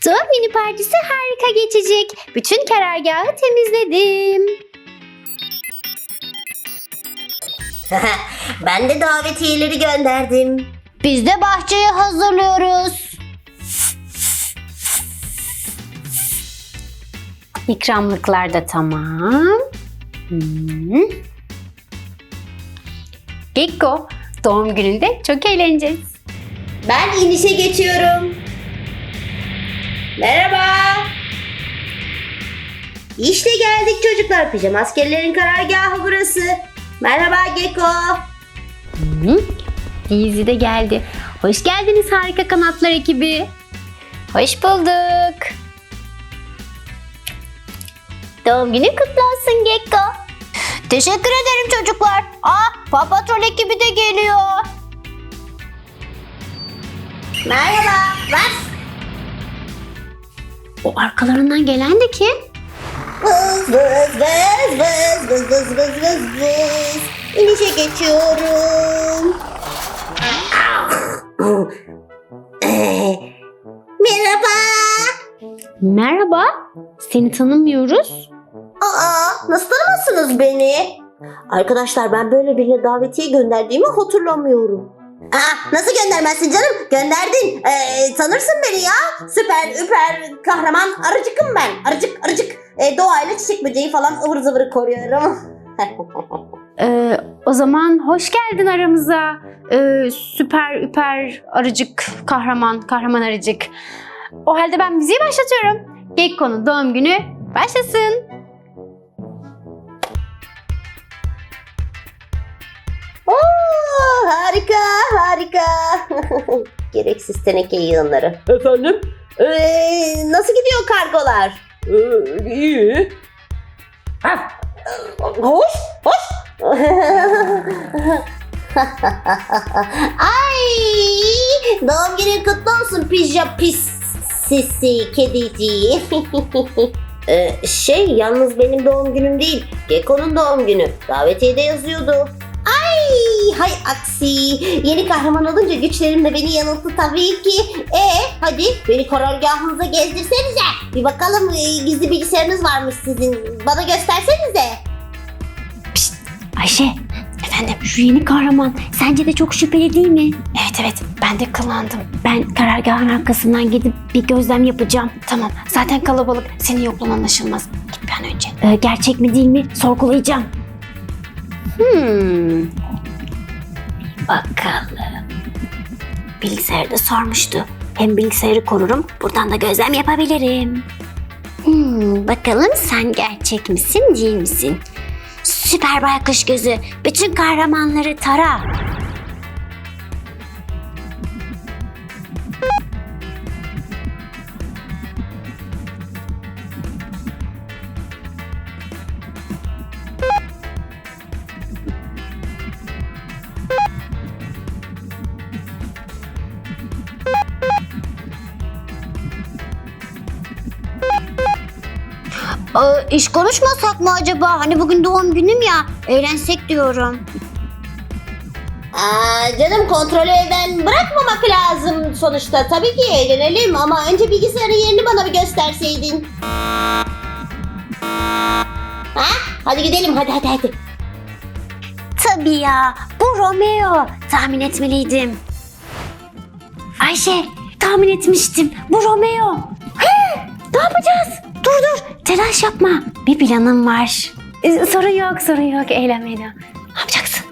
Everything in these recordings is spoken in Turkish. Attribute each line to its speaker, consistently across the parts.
Speaker 1: Doğum günü partisi harika geçecek. Bütün karargahı temizledim.
Speaker 2: Ben de davetiyeleri gönderdim.
Speaker 1: Biz de bahçeyi hazırlıyoruz. İkramlıklar da tamam. Gekko, doğum gününde çok eğleneceğiz.
Speaker 2: Ben inişe geçiyorum. Merhaba. İşte geldik çocuklar. Pijama askerlerin karargahı burası. Merhaba Gekko.
Speaker 1: Daisy de geldi. Hoş geldiniz harika kanatlar ekibi. Hoş bulduk. Doğum günün kutlu olsun Gekko.
Speaker 3: Teşekkür ederim çocuklar. Paw Patrol ekibi de geliyor.
Speaker 2: Merhaba.
Speaker 1: O arkalarından gelen de kim?
Speaker 2: Vız vız vız vız vız vız vız vız vız. İnişe geçiyorum. Merhaba.
Speaker 1: Merhaba. Seni tanımıyoruz.
Speaker 2: Nasıl tanımazsınız beni? Arkadaşlar ben böyle birine davetiye gönderdiğimi hatırlamıyorum. Nasıl göndermezsin canım? Gönderdin. Tanırsın beni ya. Süper, üper, kahraman arıcıkım ben. Arıcık. Doğayla çiçek böceği falan ıvır zıvırı koruyorum.
Speaker 1: O zaman hoş geldin aramıza. Süper, üper, arıcık, kahraman arıcık. O halde ben müziği başlatıyorum. Gekko'nun doğum günü başlasın.
Speaker 2: Harika. Gereksiz teneke yığınları.
Speaker 4: Efendim?
Speaker 2: Nasıl gidiyor kargolar?
Speaker 4: İyi.
Speaker 2: Hoş. Ay, doğum günün kutlu olsun pis sisi kediciği. Yalnız benim doğum günüm değil. Gekko'nun doğum günü. Davetiyede yazıyordu. Hay aksi. Yeni kahraman olunca güçlerim de beni yanılttı tabii ki. Hadi beni karargahınıza gezdirsenize. Bir bakalım gizli bilgisayarınız varmış sizin. Bana göstersenize.
Speaker 1: Ayşe, efendim şu yeni kahraman sence de çok şüpheli değil mi? Evet ben de kıllandım. Ben karargahın arkasından gidip bir gözlem yapacağım. Tamam zaten kalabalık, senin yokluğun anlaşılmaz. Git bir an önce. Gerçek mi değil mi sorgulayacağım. Bakalım. Bilgisayarda sormuştu. Hem bilgisayarı korurum, buradan da gözlem yapabilirim. Bakalım sen gerçek misin, değil misin? Süper baykuş gözü, bütün kahramanları tara.
Speaker 3: İş konuşmasak mı acaba? Hani bugün doğum günüm ya. Eğlensek diyorum.
Speaker 2: Canım kontrolü elden bırakmamak lazım sonuçta. Tabii ki eğlenelim ama önce bilgisayarın yerini bana bir gösterseydin. Hadi gidelim hadi.
Speaker 1: Tabii ya, bu Romeo. Tahmin etmeliydim. Ayşe, tahmin etmiştim. Bu Romeo. Ne yapacağız? Dur, telaş yapma. Bir planım var. Sorun yok. Eğlenmeye devam. Ne yapacaksın?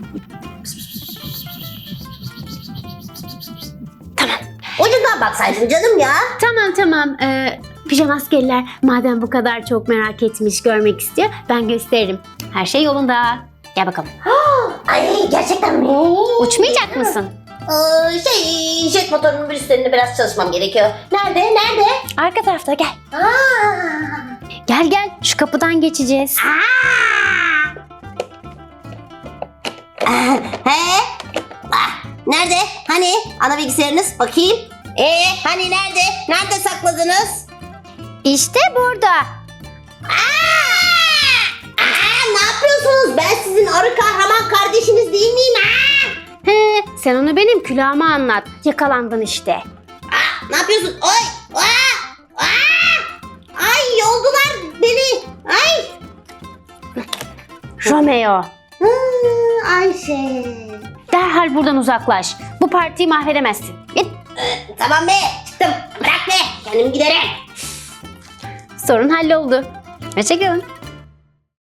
Speaker 1: Tamam.
Speaker 2: Ucundan baksaydın canım ya.
Speaker 1: Tamam. Pijama askerler madem bu kadar çok merak etmiş, görmek istiyor, ben gösteririm. Her şey yolunda. Gel bakalım.
Speaker 2: Ay gerçekten mi?
Speaker 1: Uçmayacak mısın?
Speaker 2: Jet motorunun bir üstlerinde biraz çalışmam gerekiyor. Nerede?
Speaker 1: Arka tarafta gel. Gel şu kapıdan geçeceğiz.
Speaker 2: Nerede? Hani? Ana bilgisayarınız? Bakayım. Hani nerede? Nerede sakladınız?
Speaker 1: İşte burada.
Speaker 2: Ne yapıyorsunuz? Ben sizin arı kahraman kardeşiniz değil miyim?
Speaker 1: Sen onu benim külahıma anlat. Yakalandın işte.
Speaker 2: Ne yapıyorsun? Oy!
Speaker 1: Romeo,
Speaker 2: Ayşe.
Speaker 1: derhal buradan uzaklaş. Bu partiyi mahvedemezsin. Git.
Speaker 2: Tamam be, çıktım. Bırak be, kendim giderim.
Speaker 1: Sorun halloldu. Hoşçakalın.